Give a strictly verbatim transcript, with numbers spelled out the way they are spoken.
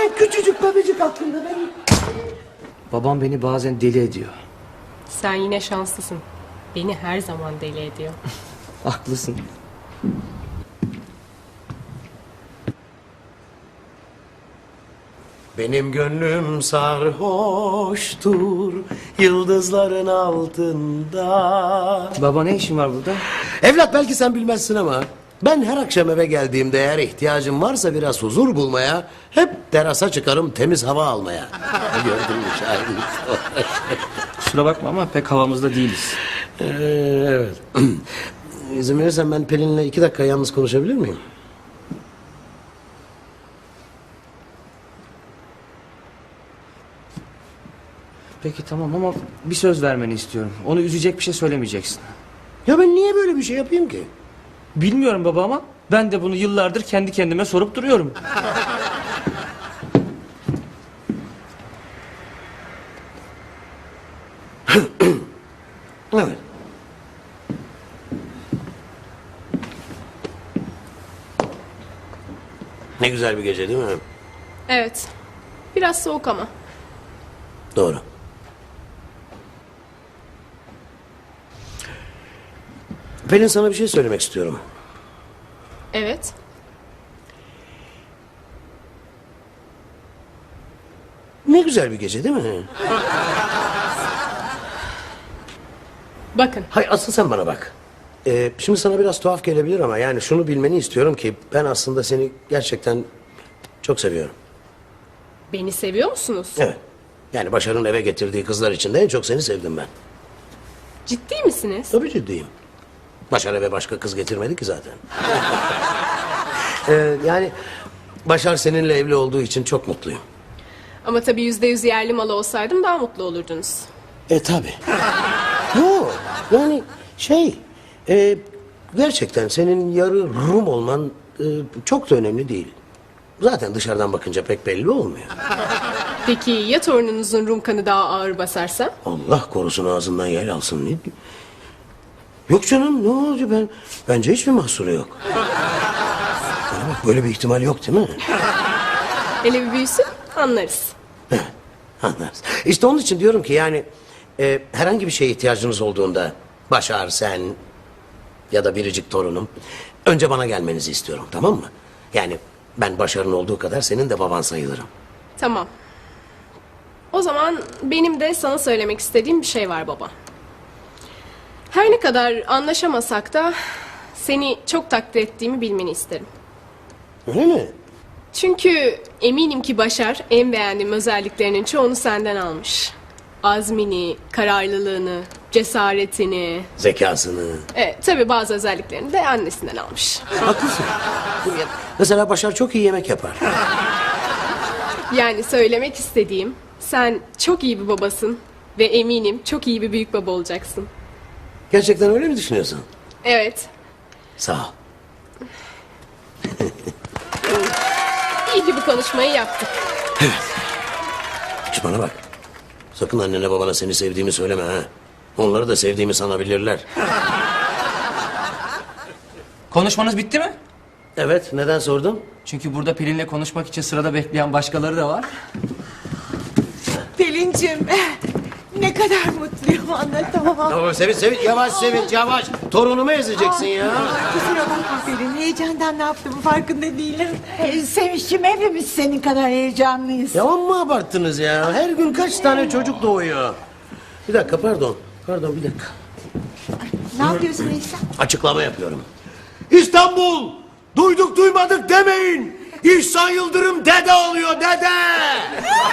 Sen küçücük bebecik hakkında ben... Babam beni bazen deli ediyor. Sen yine şanslısın. Beni her zaman deli ediyor. Haklısın. Benim gönlüm sarhoştur yıldızların altında. Baba ne işin var burada? Evlat belki sen bilmezsin ama ben her akşam eve geldiğimde eğer ihtiyacım varsa biraz huzur bulmaya hep terasa çıkarım temiz hava almaya. Gördün mü şahidim? Kusura bakma ama pek havamızda değiliz. Ee, evet. İzin verirsen ben Pelin'le iki dakika yalnız konuşabilir miyim? Peki tamam ama bir söz vermeni istiyorum. Onu üzecek bir şey söylemeyeceksin. Ya ben niye böyle bir şey yapayım ki? Bilmiyorum baba ama ben de bunu yıllardır kendi kendime sorup duruyorum. Evet. Ne güzel bir gece değil mi? Evet. Biraz soğuk ama. Doğru. Pelin sana bir şey söylemek istiyorum. Evet. Ne güzel bir gece değil mi? Bakın. Hay asıl sen bana bak. Ee, şimdi sana biraz tuhaf gelebilir ama yani şunu bilmeni istiyorum ki ben aslında seni gerçekten çok seviyorum. Beni seviyor musunuz? Evet. Yani Başar'ın eve getirdiği kızlar içinde en çok seni sevdim ben. Ciddi misiniz? Tabii ciddiyim. Başar eve başka kız getirmedi ki zaten. ee, yani Başar seninle evli olduğu için çok mutluyum. Ama tabii yüzde yüz yerli malı olsaydım daha mutlu olurdunuz. E tabi. Yo yani şey e, gerçekten senin yarı Rum olman e, çok da önemli değil. Zaten dışarıdan bakınca pek belli olmuyor. Peki ya torununuzun Rum kanı daha ağır basarsa? Allah korusun ağzından yel alsın. Ne? Yok canım ne olacak ben bence hiçbir mahsuru yok. Bana bak böyle bir ihtimal yok değil mi? Hele bir büyüsün anlarız. Evet, anlarız. İşte onun için diyorum ki yani e, herhangi bir şeye ihtiyacınız olduğunda Başar, sen ya da biricik torunum önce bana gelmenizi istiyorum, tamam mı? Yani ben Başar'ın olduğu kadar senin de baban sayılırım. Tamam. O zaman benim de sana söylemek istediğim bir şey var baba. Her ne kadar anlaşamasak da seni çok takdir ettiğimi bilmeni isterim. Öyle mi? Çünkü eminim ki Başar en beğendiğim özelliklerinin çoğunu senden almış. Azmini, kararlılığını, cesaretini. Zekasını. Evet, tabii bazı özelliklerini de annesinden almış. Haklısın. Mesela Başar çok iyi yemek yapar. Yani söylemek istediğim, sen çok iyi bir babasın ve eminim çok iyi bir büyük baba olacaksın. Gerçekten öyle mi düşünüyorsun? Evet, Sağ ol. iyi ki bu konuşmayı yaptık. Şu bana bak. Sakın annene babana seni sevdiğimi söyleme ha. Onları da sevdiğimi sanabilirler. Konuşmanız bitti mi? Evet, neden sordun? Çünkü burada Pelin'le konuşmak için sırada bekleyen başkaları da var. Pelin'cim ne kadar mutluyum anlatamam. Tamam Sevinç, Sevinç. Yavaş Sevinç, yavaş. Torunumu ezeceksin ya. Kusura bakma Pelin, heyecandan ne yaptığımı farkında değilim. Ee, Sevinç'cim hepimiz senin kadar heyecanlıyız. Ya amma abarttınız ya. Her gün kaç tane çocuk doğuyor. Bir dakika pardon. Pardon bir dakika. Ne yapıyorsun İhsan? Açıklama yapıyorum. İstanbul! Duyduk duymadık demeyin. İhsan Yıldırım dede oluyor dede.